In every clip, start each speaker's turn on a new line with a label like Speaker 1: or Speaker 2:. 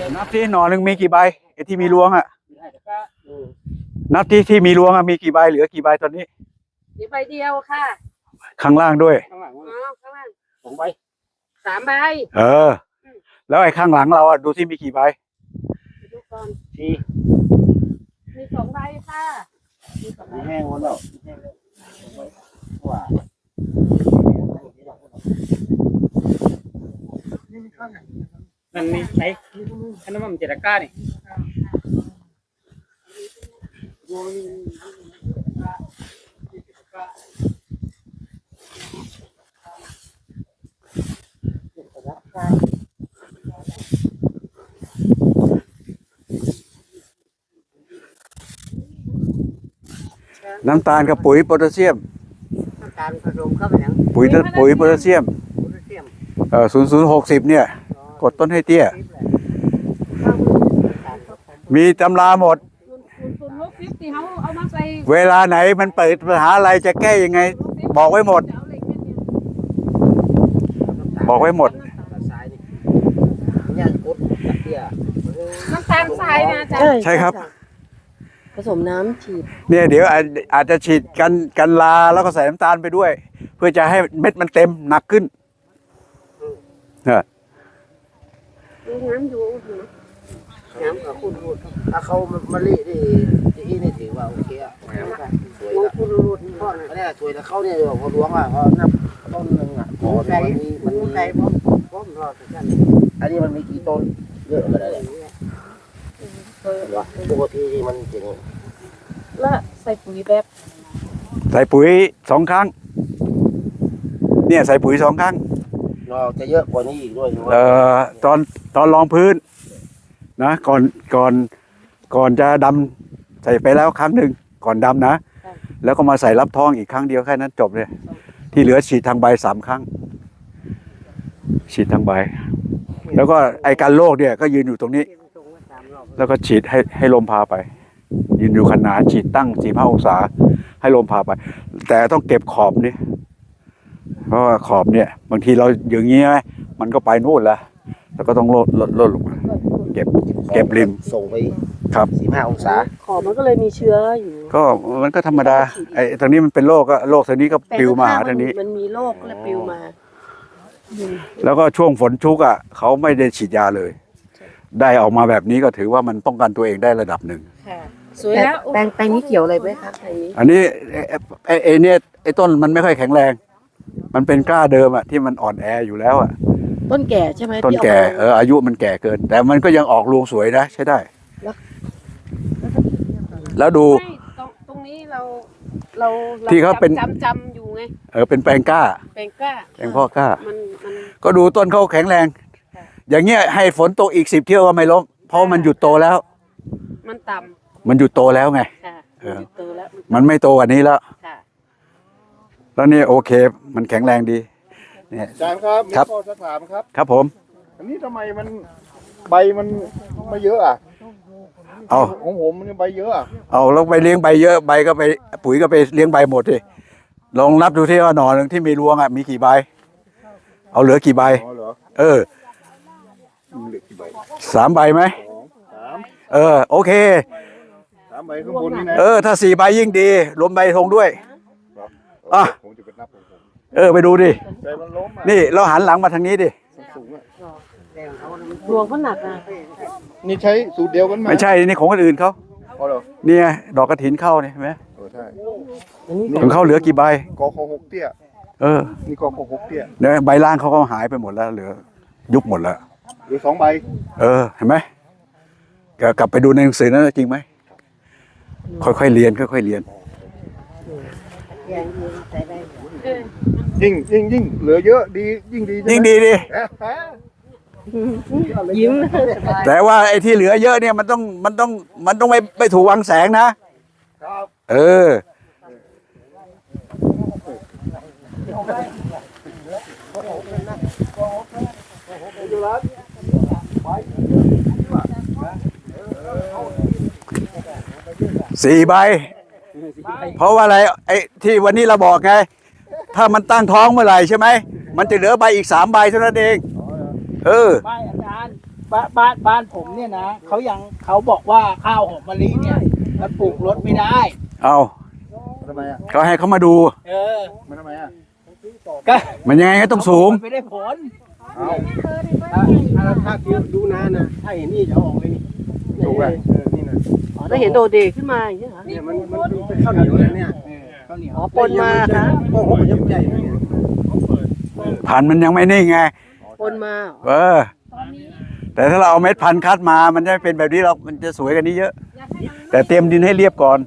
Speaker 1: นับที่หน่อหนึ่งมีกี่ใบไอ้ที่มีรวงอ่ะนับที่มีรวงอ่ะมีกี่ใบเหลือกี่ใบตอนนี้
Speaker 2: มีใบเดียวค่ะ
Speaker 1: ข้างล่างด้วย
Speaker 2: ข้างล่าง2 ใบ3 ใบ
Speaker 1: แล้วไอ้ข้างหลังเราอ่ะดูที่มีกี่ใบ
Speaker 2: ดูก่อนมี2 ใบค่ะ
Speaker 3: มีแห้งหมดแล้วว่า
Speaker 4: มันมีไหนอันนั้นมันเจตก้านี่
Speaker 1: น้ำตาลกับปุ๋ยโพแทสเซียม
Speaker 2: น้ำตาลผสมเข้าไปแล้ว
Speaker 1: ปุ๋ยโพแทสเซียม0060เนี่ยกดต้นให้เตี้ยมีตำราหมด
Speaker 2: 060ที่เขาเอามาใส่
Speaker 1: เวลาไหนมันเปิดปัญหาอะไรจะแก้ยังไงบอกไว้หมดบอกไว้หมด
Speaker 2: น้ำตาลทรายนะอาจารย์
Speaker 1: ใช่ครับ
Speaker 2: ผสมน้ำฉีด
Speaker 1: เนี่ยเดี๋ยวอาจจะฉีดกันลาแล้วก็ใส่น้ำตาลไปด้วยเพื่อจะให้เม็ดมันเต็มหนักขึ้น
Speaker 2: น้ำอยู่น้ำกับคุณรูด
Speaker 3: ถ้าเขามาลีที่นี่ถือว่าโอเคอ่ะสวยละ
Speaker 2: คุณรูดพ่อ
Speaker 3: เนี่ยสวยแล้วเขาเนี่ยเขาล้วงอ่ะเขานับต้นหนึ่งอ่ะ
Speaker 2: มันมีไก่ป้อมรอดกัน
Speaker 3: อันนี้มันมีกี่ต้นเยอะเลยปกติมันจริง
Speaker 2: แล้วใส่ปุ๋ยแบบ
Speaker 1: ใส่ปุ๋ย2 ครั้งเนี่ยใส่ปุ๋ย2 ครั้ง
Speaker 3: เราจะเยอะกว่านี้อีกด้วย
Speaker 1: ตอนรองพื้นนะก่อนจะดำใส่ไปแล้วครั้งหนึ่งก่อนดำนะแล้วก็มาใส่รับท้องอีกครั้งเดียวแค่นั้นจบเลยที่เหลือฉีดทางใบ3 ครั้งฉีดทางใบแล้วก็ไอ้การโรคเนี่ยก็ยืนอยู่ตรงนี้แล้วก็ฉีดให้ลมพาไปยืนอยู่ขนาดฉีดตั้ง45 องศาให้ลมพาไปแต่ต้องเก็บขอบนี่เพราะว่าขอบเนี่ยบางทีเราอย่างนี้ไหมมันก็ไปนู่นแล้วก็ต้องลดลงมาเก็บริม
Speaker 3: ส่งไป
Speaker 1: ครับ
Speaker 3: 45 องศา
Speaker 2: ขอบมันก็เลยมีเชื้ออยู่
Speaker 1: ก็มันก็ธรรมดาไอ้ทางนี้มันเป็นโรคก็โรคทางนี้ก็ปลิวมาหาทางนี้
Speaker 2: มันมีโรคก็เลยปลิวมา
Speaker 1: แล้วก็ช่วงฝนชุกเขาไม่ได้ฉีดยาเลยได้ออกมาแบบนี้ก็ถือว่ามันป้องกันตัวเองได้ระดับหนึ่ง
Speaker 2: สวยแล้วแปลงนี้เกี่ยวอะไรไหมคะ
Speaker 1: อันนี้ไอ้เนี่ยไอ้ต้นมันไม่ค่อยแข็งแรงมันเป็นกล้าเดิมที่มันอ่อนแออยู่แล้ว
Speaker 2: ต้นแก่ใช่ไหม
Speaker 1: ต้นแก่อายุมันแก่เกินแต่มันก็ยังออกรวงสวยนะใช้ได้แล้วดู
Speaker 2: ตรงนี้เรา
Speaker 1: ที่เขาเป็น
Speaker 2: จำอยู่ไง
Speaker 1: เป็นแปลงกล้า
Speaker 2: แปล
Speaker 1: งพ่อกล้าก็ดูต้นเขาแข็งแรงอย่างเงี้ยให้ฝนตกอีก10 เที่ยวก็ไม่ล้มเพราะมันหยุดโตแล้ว
Speaker 2: มันต่ำ
Speaker 1: มันหยุดโตแล้วไงมันไม่โตกว่านี้แล้วแล้วนี่โอเคมันแข็งแรงดี
Speaker 3: เนี่ยอาจารย์ครับมีข้อจะถามครับ
Speaker 1: ครับผม
Speaker 3: อันนี้ทำไมมันใบมันไม่เยอะของผมมันใบเยอะ
Speaker 1: แล้วไปเลี้ยงใบเยอะใบก็ไปปุ๋ยก็ไปเลี้ยงใบหมดดิลองนับดูที่ว่าหน่อหนึ่งที่มีรวงมีกี่ใบเอาเหลือกี่ใบ3 ใบไหมโอเค
Speaker 3: 3 ใบข้างบนนี่นะ
Speaker 1: ถ้า4 ใบยิ่งดีรวมใบธงด้วย
Speaker 3: ผมจะไปนับของ
Speaker 1: ผมไปดูดินี่เราหันหลังมาทางนี้ดิ
Speaker 2: รวงก็หนัก
Speaker 3: นี่ใช้สูตรเดียวกันไหม
Speaker 1: ไม่ใช่นี่ของคนอื่นเขานี่ดอกกระถินเข้าเนี่ยเห็นไหม
Speaker 3: ใช่
Speaker 1: ของเขาเหลือกี่ใบ
Speaker 3: กอ6 เตี้ยนี่กอ6 เตี้ย
Speaker 1: เนี่ยใบล่างเขาก็หายไปหมดแล้วเหลือยุบหมดแล้ว
Speaker 3: เหลือ2 ใบ
Speaker 1: เห็นไหมกลับไปดูในหนังสือนั้นจริงไหมค่อยๆเรียน
Speaker 3: ยิ่งเหลือเยอะดียิ่งดี
Speaker 2: ยิ้ม
Speaker 1: แต่ว่าไอ้ที่เหลือเยอะเนี่ยมันต้องไม่ถูกวางแสงนะ4 ใบเพราะว่าอะไรไอ้ที่วันนี้เราบอกไงถ้ามันตั้งท้องเมื่อไหร่ใช่ไหมมันจะเหลือใบอีก3 ใบเท่านั้นเอง
Speaker 2: ใบอาจารย์
Speaker 5: บ้านผมเนี่ยนะเขาบอกว่าข้าวหอมมะลิเนี่ยมันปลูกรถไม่ได้
Speaker 1: เอา
Speaker 3: ทำไมอ่ะ
Speaker 1: เขาให้เขามาดู
Speaker 5: เออ
Speaker 3: มันทำไมอ่ะ
Speaker 5: ก็
Speaker 1: มันยังไงก็ต้องสูง
Speaker 5: มันไม่ได้ผล
Speaker 3: เอา
Speaker 4: ถ้าดูนานนะถ้าเห็นนี่จะเอาออกเลยนี่
Speaker 3: ถูกอ่ะ
Speaker 4: นี่นะ
Speaker 2: อ๋อถ้าเห็นโดดเด่นขึ้นมาอย่างนี้เหรอ
Speaker 4: เนี่ยมันเป็นข้าวเหนียวเลยเนี่ย
Speaker 5: ข้าวเหนียว
Speaker 2: อ๋อปนมาค่ะ
Speaker 4: โอ้โหยับใหญ่เลยเนี่ย
Speaker 1: พันธุ์มันยังไม่นิ่งไง
Speaker 2: ปนมาเหรอ
Speaker 1: เออ แต่ถ้าเราเอาเม็ดพันธุ์คัดมา มันจะเป็นแบบนี้เรามันจะสวยกันนี้เยอะ แต่เตรียมดินให้เรียบก่อน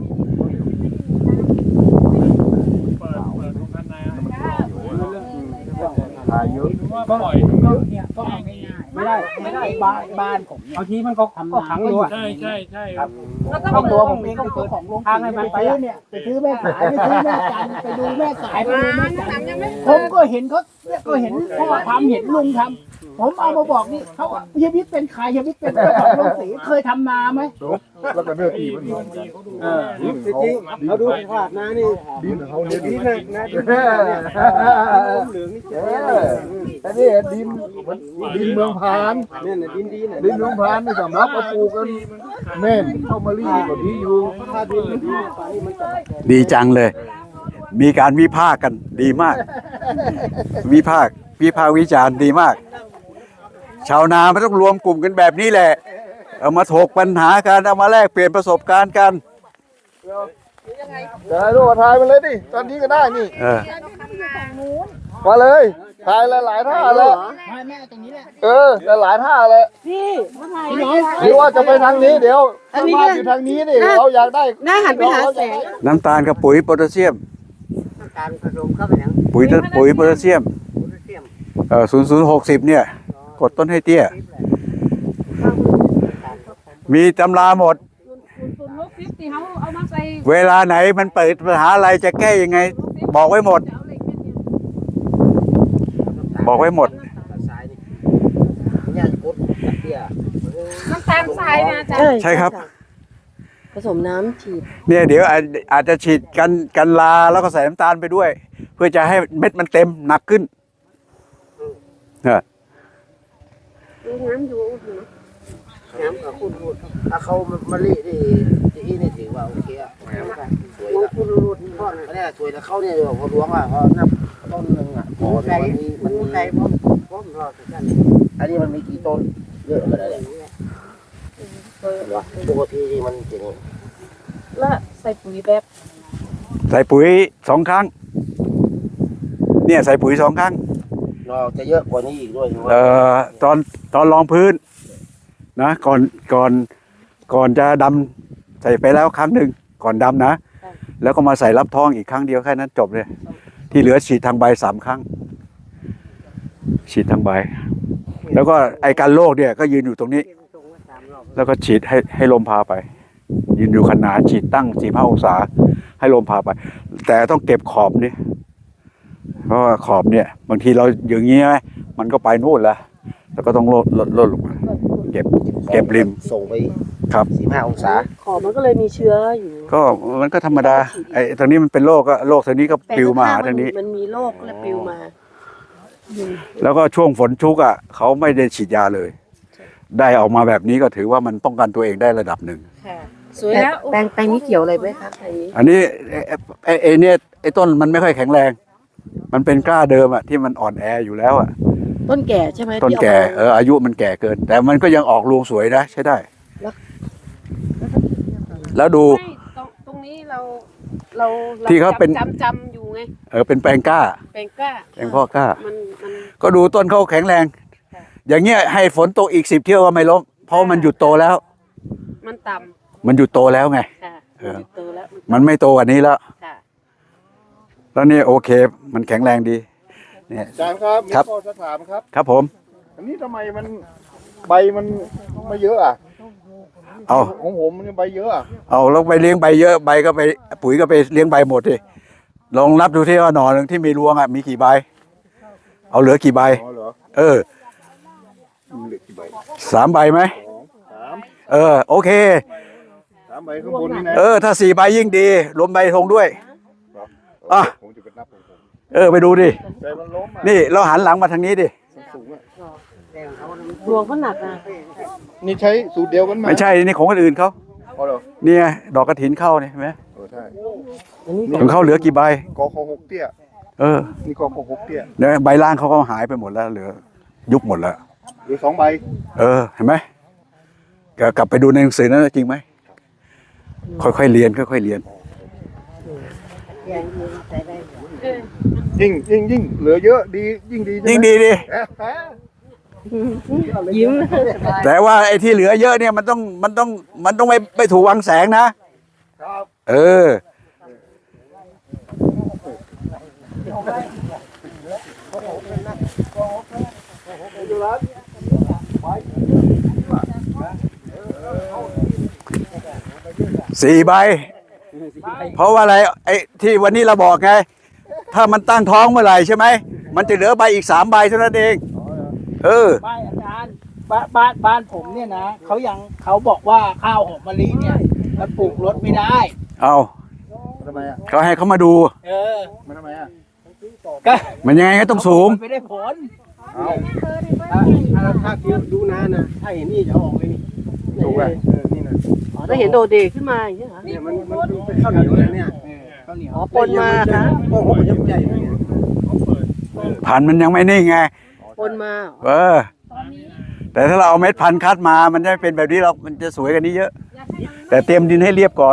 Speaker 3: ถ่ายเยอะ
Speaker 5: ก็เนี่ยก็เอาง่ายๆไม่ได้บ้านผมเนี่ย
Speaker 4: บางทีมันก็ขังด้วย
Speaker 6: ใช่ใช่ใช่
Speaker 5: ครับ
Speaker 2: แล้วก็
Speaker 5: ครอบครัว
Speaker 2: เปิด
Speaker 5: ผมเองเป็นของลงสีไปซื้อเนี่ยไปซื้อแม่สายไปซื้อแม่จันทร์ไปดูแม่สายไปดูแม่จันทร์ผมก็เห็นเขาเนี่ยก็เห็นพ่อทำเห็นลุงทำผมเอามาบอกนี่เขาเฮียวิทย์เป็นใครเฮียวิทย์เป็นเจ้าของโรงสีเคยทำนาไหม
Speaker 3: แล้วก็เนื้อตีมันดี
Speaker 4: จริงๆเขาดูว่านานี่
Speaker 3: ดินเขาเนื้อ
Speaker 4: ดี
Speaker 3: ดี
Speaker 4: นะนะดีนะเหลืองนี่เจ๋ง
Speaker 3: แต่นี่ดินดินเมืองพาน
Speaker 4: เนี่ยดินดีนะ
Speaker 3: ดินเมืองพานนี่สำหรับเอาปลูกกันแม่นเข้ามารีก็ดีอยู่
Speaker 4: ถ้าดินดีเนี่ยป่านนี้มันจะ
Speaker 1: ดีจังเลย มีการวิพากษ์กันดีมาก วิพากษ์วิจารณ์ดีมาก ชาวนาไม่ต้องรวมกลุ่มกันแบบนี้แหละ เอามาถกปัญหากันเอามาแลกเปลี่ยนประสบการณ์กัน
Speaker 3: แต่รูปถ่ายมาเลยดิตอนนี้ก็ได้นี่
Speaker 1: เออ
Speaker 3: มาเลยถ่ายหลายๆท่าเลย
Speaker 5: แม่ตรงนี้แหละ
Speaker 3: หลายๆท่าเลย
Speaker 2: พี่มาถ่าย
Speaker 5: พี่น้อย
Speaker 3: หรือว่าจะไปทางนี้เดี๋ยว
Speaker 2: อันนี้
Speaker 3: บ้านอยู่ทางนี้ดิเราอยากได้
Speaker 2: หน้าหันไปหาแสง
Speaker 1: น้ำตาลกับปุ๋ยโพแทสเซียม
Speaker 4: การผสมเข้าไปแล้ว
Speaker 1: ปุ๋ยโพแทสเซียม 0060 เนี่ย กดต้นให้เตี้ย มีตำราหมด
Speaker 2: ศูนย์60ที่เขาเอามาใส่
Speaker 1: เวลาไหนมันเปิดปัญหาอะไรจะแก้ยังไง บอกไว้หมด บอกไว้หมด
Speaker 4: สายนี่เนี่ยกดเตี้ย
Speaker 2: น้ำตาลทรายนะอาจารย์
Speaker 1: ใช่ครับ
Speaker 2: ผสมน้ำฉีด
Speaker 1: เนี่ยเดี๋ยวอาจจะฉีดกันลาแล้วก็ใส่น้ำตาลไปด้วย เพื่อจะให้เม็ดมันเต็มหนักขึ้นเนี่ย
Speaker 2: ดูน้ำอยู่
Speaker 4: น้ำกับคุณถ้าเขามาลีที่นี่ถือว่าโอเคอ่ะสวยนะคุณรูดนี่พ่อเนี่ยสวยแล้วเขาเนี่ยพอหลวงอ่ะเขานับต้นหนึ่งอ่ะพอมันมีใจพร้อมรอดกันอันนี้มันมีกี่ต้นเยอะขนาดนี้ปกติมันจะนี่
Speaker 2: แล้วใส่ปุ๋ยแบบ
Speaker 1: ใส่ปุ๋ย2 ครั้ง เนี่ยใส่ปุ๋ย2 ครั้ง
Speaker 4: เราจะเยอะกว่านี้อีกด้วย
Speaker 1: ตอนรองพื้นนะก่อนจะดำใส่ไปแล้วครั้งหนึ่งก่อนดำนะ แล้วก็มาใส่รับท้องอีกครั้งเดียวแค่นั้นจบเลย ที่เหลือฉีดทางใบ3 ครั้ง ฉีดทางใบ แล้วก็ไอการโรคเนี่ยก็ยืนอยู่ตรงนี้ แล้วก็ฉีดให้ลมพาไป ยืนอยู่ขนาดฉีดตั้ง45 องศาให้ลมพาไป แต่ต้องเก็บขอบนี่เพราะว่าขอบเนี่ยบางทีเราอย่างงี้ไหมมันก็ไปนู่นแล้วแล้วก็ต้องลดลงมาเก็บริม
Speaker 4: ส่งไป
Speaker 1: ครับ
Speaker 4: 45 องศา
Speaker 2: ขอบมันก็เลยมีเชื้ออยู่
Speaker 1: ก็มันก็ธรรมดาไอ้ทางนี้มันเป็นโรคก็โรคทางนี้ก็ปลิวมาหาทางนี้
Speaker 2: มันมีโรคและปลิวมา
Speaker 1: แล้วก็ช่วงฝนชุกอ่ะเขาไม่ได้ฉีดยาเลย ได้ออกมาแบบนี้ก็ถือว่ามันป้องกันตัวเองได้ระดับหนึ่ง
Speaker 2: ค่ะสวยแล้วแปลงนี้เกี่ยวอะไรไหมคะแปลงนี้
Speaker 1: อันนี้ไอ้เนี่ยไอ้ต้นมันไม่ค่อยแข็งแรง มันเป็นกล้าเดิมอ่ะที่มันอ่อนแออยู่แล้วอ่ะ
Speaker 2: ต้นแก่ใช่ไหม
Speaker 1: ต้น
Speaker 2: ที่
Speaker 1: แก่
Speaker 2: ออกมา
Speaker 1: อายุมันแก่เกิน แต่มันก็ยังออกรวงสวยนะใช้ได้ แล้วดู
Speaker 2: ไม่ตรงนี้เรา
Speaker 1: ที่เขาเป็น
Speaker 2: จำอยู่ไง
Speaker 1: เป็นแปลงกล้า
Speaker 2: แปลงกล้า
Speaker 1: แปลงพ่อกล้า
Speaker 2: มัน
Speaker 1: ก็ดูต้นเขาแข็งแรง อย่างเงี้ยให้ฝนตกอีก10 เที่ยวก็ไม่ล้มเพราะมันหยุดโตแล้ว
Speaker 2: มันต่
Speaker 1: มันหยุดโตแล้วไง
Speaker 2: ำค่ะ
Speaker 1: เออ
Speaker 2: มันโตแล้ว
Speaker 1: มันไม่โตกว่านี้แล้ว
Speaker 2: ค่ะ
Speaker 1: แล้วนี่โอเค มันแข็งแรงดี เนี่ย
Speaker 3: อาจารย์ครับมี
Speaker 1: ครับ
Speaker 3: ข้อสักถามครับ
Speaker 1: ครับผม
Speaker 3: อันนี้ทำไมมันใบมันไม่เยอะอ่ะ
Speaker 1: เอา
Speaker 3: ของผมมันใบเยอะอ่ะ
Speaker 1: เอาแล้วไปเลี้ยงใบเยอะใบก็ไปปุ๋ยก็ไปเลี้ยงใบหมดดิลองนับดูที่ว่าหน่อหนึ่งที่มีรวงอ่ะมีกี่ใบ เอาเหลือกี่ใบ
Speaker 3: อ๋อเหรอ
Speaker 1: มันเหลือกี่ใบ3 ใบไหม
Speaker 3: 3
Speaker 1: โอเค
Speaker 3: 3 ใบข้างบนนี่นะ
Speaker 1: ถ้า4 ใบยิ่งดีรวมใบธงด้วย อ่ะ
Speaker 3: ผมจะไปนับของผม
Speaker 1: ไปดูดิ
Speaker 3: แต่มันล้มอ่ะ
Speaker 1: นี่เราหันหลังมาทางนี้ดิ
Speaker 3: สูงอ่ะ
Speaker 4: แต่ของเขามัน
Speaker 2: ดวงเขาหนักนะ
Speaker 3: นี่ใช้สูตรเดียวกันไหม
Speaker 1: ไม่ใช่นี่ของคนอื่นเขา
Speaker 3: อ๋อเหรอ
Speaker 1: เนี่ยดอกกระถินเข้าเนี่ยเห็นไหม
Speaker 3: ใช่
Speaker 1: ของเขาเหลือกี่ใบ
Speaker 3: กอคอหกเตี้ย
Speaker 1: เออ
Speaker 3: นี่กอคอหกเตี้ย
Speaker 1: เนี่ยใบล่างเขาก็หายไปหมดแล้วเหลือยุบหมดแล้ว
Speaker 3: หรือ2 ใบ
Speaker 1: เออเห็นไหมกลับไปดูในหนังสือนั้นจริงไหมค่อยๆเรียนค่อยๆเรียน
Speaker 3: ยิ่งเหลือเยอะดียิ่งดีใช่ไหม
Speaker 1: ยิ่งดีดิ
Speaker 3: เอ๊ะ
Speaker 2: ยิ้ม
Speaker 1: แต่ว่าไอ้ที่เหลือเยอะเนี่ยมันต้องไม่ถูกวางแสงนะครับ เออสี่ใบ เพราะว่าอะไรไอ้ที่วันนี้เราบอกไง ถ้ามันตั้งท้องเมื่อไหร่ใช่ไหมมันจะเหลือใบอีก3 ใบเท่านั้นเอง เออ
Speaker 5: บ้านอาจารย์บ้านผมเนี่ยนะเขาบอกว่าข้าวหอมมะลิเนี่ยมันปลูกรดไม่ได้
Speaker 1: เอา
Speaker 3: ทำไมอ่ะ
Speaker 1: เขาให้เขามาดู
Speaker 5: เออ
Speaker 3: มันทำไมอ่ะ
Speaker 5: ก็
Speaker 1: มันยังไงก็ต้องสูง
Speaker 5: ไม่ได้ผล
Speaker 4: ถ้าคิวดูนานนะถ้าเห็นนี่จะออกเลยนี่
Speaker 3: ถูกไหมนี่นะ
Speaker 2: ถ้าเห็นโดเดขึ้นมาอย่างเงี้ยเหรอ
Speaker 4: เนี่ยมันเป็นข้าวเหนียวเลยเนี่ย
Speaker 5: ข้าวเหนียว
Speaker 2: อ๋อปนมาคะ
Speaker 4: โอ้โหมันใหญ่เลยเนี่ย
Speaker 1: พันธุ์มันยังไม่นิ่งไง
Speaker 2: ปนมาเหรอ
Speaker 1: เออ แต่ถ้าเราเอาเม็ดพันธุ์คัดมา มันจะเป็นแบบนี้เรามันจะสวยกันนี้เยอะ แต่เตรียมดินให้เรียบก่อน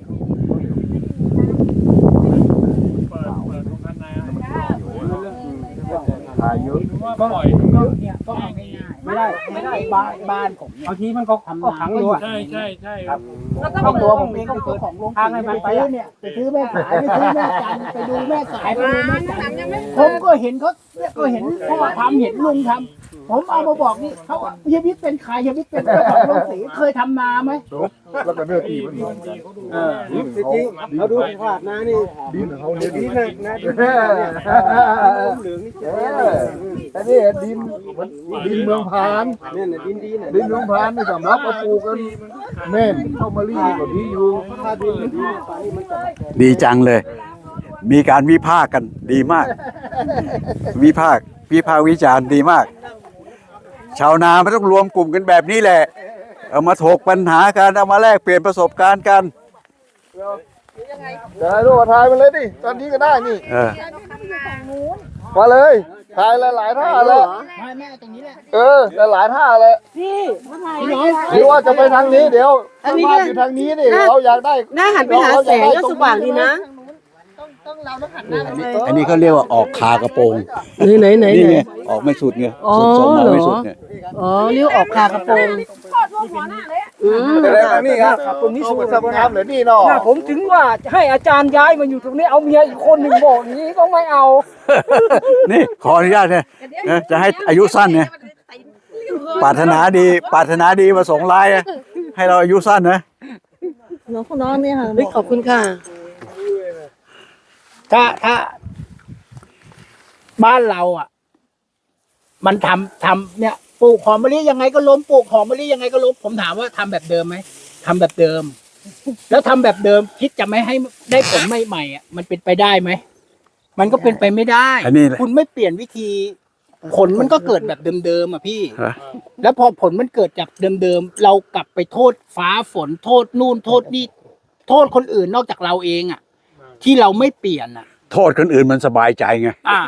Speaker 3: ขายเยอะ
Speaker 5: ก็เนี่ยก็เอาง่ายๆไม่ได้บ้านผมเนี่ย
Speaker 4: บางทีมันก็ขังอยู่อ่ะ
Speaker 6: ใช่ครับ
Speaker 2: แล้วก็
Speaker 5: ครอบครัว
Speaker 2: มา
Speaker 5: ผมเองก็คือของลงทางให้มันไปซื้อเนี่ยไปซื้อแม่สายไปซื้อแม่จันไปดูแม่สายไปดูแม่จันผมก็เห็นเขาเนี่ยก็เห็นพ่อทำเห็นลุงทำผมเอามาบอกนี่เขาเฮียวิทย์เป็นใครเฮียวิทย์เป็นเจ้าของโรงสีเคยทำนาไหม
Speaker 3: แล้วก็เนื้อตีมัน
Speaker 4: จริงๆเราดูภาพนะนี่
Speaker 3: ดินเขาเนี่ย
Speaker 4: ดี
Speaker 3: ดิน
Speaker 4: นะดีเนี่ยเหลืองนี่เจ๋ง
Speaker 3: อันนี้ดินเมืองพาน
Speaker 4: เนี่ยดินดีเนี่ย
Speaker 3: ดินเมืองพานนี่สำหรับเอาปลูกกันแม่นเข้ามารีก็ดีอยู่
Speaker 4: ถ้าดินมันดีป่านนี้มันจะ
Speaker 1: ดีจังเลย มีการวิพากษ์กันดีมาก วิพากษ์วิจารณ์ดีมาก ชาวนามันต้องรวมกลุ่มกันแบบนี้แหละ เอามาถกปัญหากันเอามาแลกเปลี่ยนประสบการณ์กัน
Speaker 3: เดี๋ยวให้ลูกถ่ายมันเลยดิตอนนี้ก็ได้นี่
Speaker 1: เออ
Speaker 3: มาเลยถ่ายหลายๆท่าเลย
Speaker 5: ไม่แม่ตรงนี้แหละ
Speaker 3: หลายๆท่าเลย
Speaker 2: พี่มาถ่าย
Speaker 5: พี่น้อย
Speaker 3: หรือว่าจะไปทางนี้เดี๋ยว
Speaker 2: อันนี้
Speaker 3: บ้านอยู่ทางนี้นี่เราอยากได้
Speaker 2: หน้าหันไปหาแสงก็สว่างดีนะ
Speaker 1: อันนี้เขาเรียกว่าออกคากระโปรง
Speaker 2: ไหน
Speaker 1: นี่ไงออกไม่สุดไง
Speaker 2: อ๋อ
Speaker 1: สุดส่งมา
Speaker 2: เหรอ
Speaker 1: ไม่สุดเนี่ย
Speaker 2: อ๋อเรียกออกคากระโปรงอืม
Speaker 3: จะได้ทางนี้ครับตรงนี้สูงสงามเหลือนี่เนาะ
Speaker 5: ผมถึงว่าให้อาจารย์ย้ายมาอยู่ตรงนี้เอาเมียอีกคนหนึ่งบอกอย่างนี้ก็ไม่เอา
Speaker 1: นี่ขออนุญาตเนี่ยนะจะให้อายุสั้นเนี่ยปรารถนาดีมาส่งไลน์นะให้เราอายุสั้นนะ
Speaker 2: น้องเนี่ยค่ะเฮ้ยขอบคุณค่ะ
Speaker 5: ถ้าบ้านเราอ่ะ มันทำเนี่ยปลูกหอมมะลิยังไงก็ล้มปลูกหอมมะลิยังไงก็ล้มผมถามว่าทำแบบเดิมไหมทำแบบเดิม แล้วทำแบบเดิมคิดจะไม่ให้ได้ผลใหม่ๆอ่ะมันเป็นไปได้ไหมมันก็เป็นไปไม่ได้
Speaker 1: อันนี้แหละ
Speaker 5: คุณไม่เปลี่ยนวิธี ผลมันก็เกิดแบบเดิมๆอ่ะพี่
Speaker 1: ฮะ
Speaker 5: แล้วพอผลมันเกิดจากเดิมๆเรากลับไปโทษฟ้าฝนโทษนู่นโทษนี่โทษคนอื่นนอกจากเราเองอ่ะ ที่เราไม่เปลี่ยนอ่ะ
Speaker 1: โทษคนอื่นมันสบายใจไง
Speaker 5: อ่า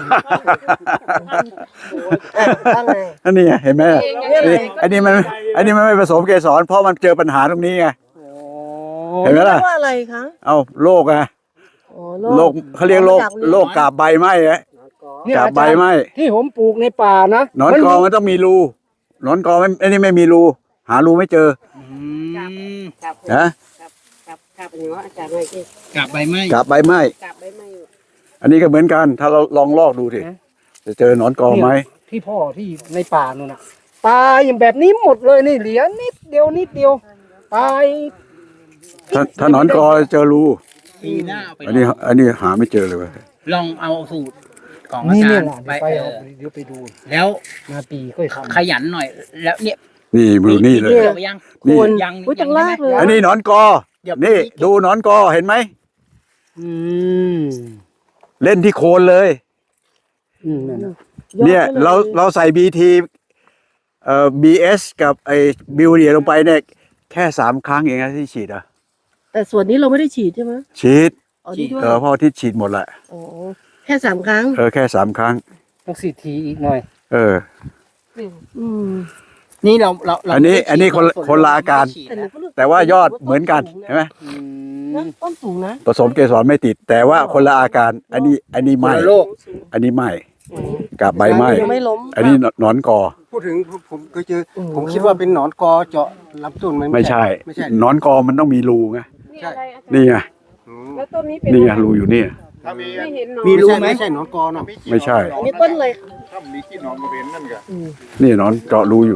Speaker 1: อันนี้ไงเห็นไหมนี่อันนี้มันไม่ผสมเกสรเพราะมันเจอปัญหาตรงนี้ไง เห็นไหมล่ะ
Speaker 2: ว่าอะไรคะ
Speaker 1: เอาโรคอะ
Speaker 2: อ๋อ
Speaker 1: โรคเขาเรียกโรคกาบใบไหม้อะกาบใบไหม้
Speaker 4: ที่ผมปลูกในป่านะ
Speaker 1: หนอนกอมันต้องมีรูหนอนกอไม่อันนี้ไม่มีรูหารูไม่เจอนะ
Speaker 2: กับอย่างว่าอาจารย์อะไรที่
Speaker 5: กลับใบไม้
Speaker 1: กาบใบไหม้
Speaker 2: กับใบไม้อยู่
Speaker 1: อันนี้ก็เหมือนกัน ถ้าเราลองลอกดูสิจะเจอหนอนกอไหม
Speaker 4: ที่พ่อที่ในป่านู่นน่ะตายอย่างแบบนี้หมดเลยนี่เหลือนิดเดียวตาย
Speaker 1: ถ้าหนอนกอเจอรู
Speaker 5: ปีหน้าเอาไป
Speaker 1: อันนี้หาไม่เจอเลยเว้ย
Speaker 5: ลองเอาสูตรของอา
Speaker 4: นี่
Speaker 5: จา
Speaker 4: เนี่ย
Speaker 5: รย์
Speaker 4: ล่ะ
Speaker 5: ไป
Speaker 4: เดี๋ยวไปดู
Speaker 5: แล้ว
Speaker 4: นาปีก็ทำ
Speaker 5: ขยันหน่อย แล้วเนี่ย
Speaker 1: นี่มือนี่เลย
Speaker 5: เกี่ยวไปยัง
Speaker 1: นี่
Speaker 2: ควร
Speaker 5: ยัง
Speaker 2: อุ้ยจังลากเลย
Speaker 1: อันนี้หนอนกอ
Speaker 5: เดี๋ยว
Speaker 1: นี่ดูหนอนกอเห็นไหม
Speaker 4: อืม
Speaker 1: เล่นที่โคนเลย
Speaker 4: นั่นน่ะ
Speaker 1: เนี่ยเราใส่บีที BS กับไอ้บิวเดียลงไปเนี่ยแค่3 ครั้งเองนะที่ฉีดอ่ะ
Speaker 2: แต่ส่วนนี้เราไม่ได้ฉีดใช่ไหม
Speaker 1: ฉีด
Speaker 2: อ๋อนี่ด้วย
Speaker 1: พ่อที่ฉีดหมดแหละ
Speaker 2: อ๋อแค่3 ครั้ง
Speaker 1: แค่3 ครั้ง
Speaker 4: ต้องสีทีอีกหน่อย
Speaker 2: อืม
Speaker 5: นี่เรา
Speaker 1: อันนี้คนละอาการ แต่ว่ายอดเหมือนกันใช่ไหม
Speaker 2: นะต้นสูงนะ
Speaker 1: ผสมเกสรไม่ติด แต่ว่าคนละอาการ อันนี้ไหม้
Speaker 4: โลก
Speaker 1: อันนี้ไหม้กับใบไหม้
Speaker 2: ยังไม่ล้ม
Speaker 1: อันนี้หนอนกอ
Speaker 4: พูดถึงผมก็เจอผมคิดว่าเป็นหนอนกอเจาะลำต้นมัน
Speaker 1: ไม่ใช่
Speaker 4: ไม่ใช่
Speaker 1: หนอนกอมันต้องมีรูไง
Speaker 2: นี่อะไรอาจารย์
Speaker 1: นี่ไง
Speaker 2: แล้วต้นนี้เป็น
Speaker 1: นี่ไง
Speaker 2: อะไร
Speaker 1: รูอยู่นี่
Speaker 3: ถ้ามี
Speaker 2: ไม่เห็นหนอน
Speaker 4: มีรู้ไหมใช่หนอนกอเนาะ
Speaker 1: ไม่ใช่
Speaker 2: อันนี้ต้นเลย
Speaker 3: ถ้ามีขี้นอนมาเป็นนั่นก็
Speaker 1: นี่หนอนเจาะรูอยู่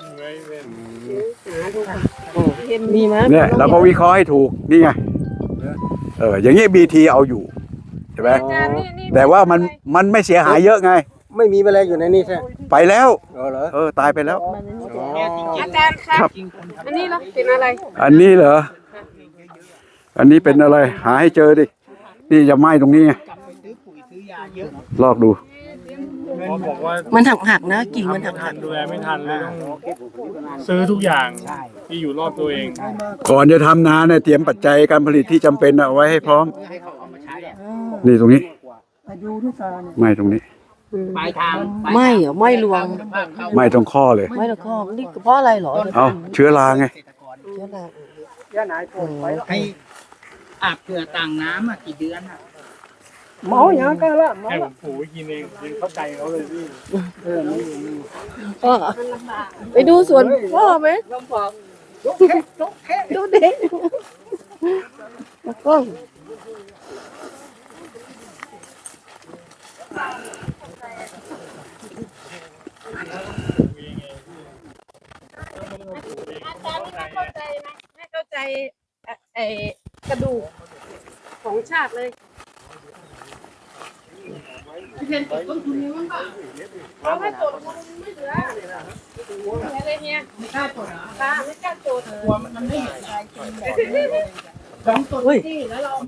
Speaker 2: มีไหม
Speaker 1: เนี่ยเราก็วิเคราะห์ให้ถูกนี่ไงอย่างนี้BTเอาอยู่ใช่ไหม
Speaker 2: อาจารย์นี่
Speaker 1: แต่ว่ามันไม่เสียหายเยอะไง
Speaker 4: ไม่มีแมลงอยู่ในนี่ใช่
Speaker 1: ไปแล้ว
Speaker 4: เหรอ
Speaker 1: ตายไปแล้ว
Speaker 2: อาจารย์ครับ อันนี้เราเป็นอะไร
Speaker 1: อันนี้เหรอ อันนี้เป็นอะไร หาให้เจอดิ นี่จะไหม้ตรงนี้ไงลอกดู
Speaker 6: บอกว่า
Speaker 2: มันหักนะกิ่งมันหัก
Speaker 6: ดูแลไม่ทันเลยต้องซื้อทุกอย่างที่อยู่รอบตัวเอง
Speaker 1: ก่อนจะทำนาเนี่ยเตรียมปัจจัยการผลิตที่จำเป็นเอาไว้ให้พร้อม นี่ตรงนี้ไหม้ตรงนี้
Speaker 5: ปลายทาง
Speaker 2: ไม่เหรอไม่รวง
Speaker 1: ไหม้ตรงข้อเลย
Speaker 2: ไม่ละข้อนี่เพราะอะไรเหรอ
Speaker 1: เอาเชื้อราไง
Speaker 2: เชื้อรา
Speaker 5: ให้อาบเกลือต่างน้ำอ่ะกี่เดือนอ่ะ
Speaker 2: หมออย่างนั้นก็ละ
Speaker 6: ให้ผมผูกไว้กินเองกินเข้าใจเขาเลยพี่
Speaker 2: ก็ไปดูสวนพ่อไหมดูเด็กแล้วก็อาจารย์นี่ไม่เข้าใจนะไม่เข้าใจไอ้กระดูกของชาติเลยเราไม่ตรวจไม่เหลืออะไรเนี่ยไม่กล้าตรวจไม่กล้าตรวจ
Speaker 5: กลัวมันไม่เห็นอะไรกินแบบ
Speaker 2: 2 ตัวที่แล้วเรา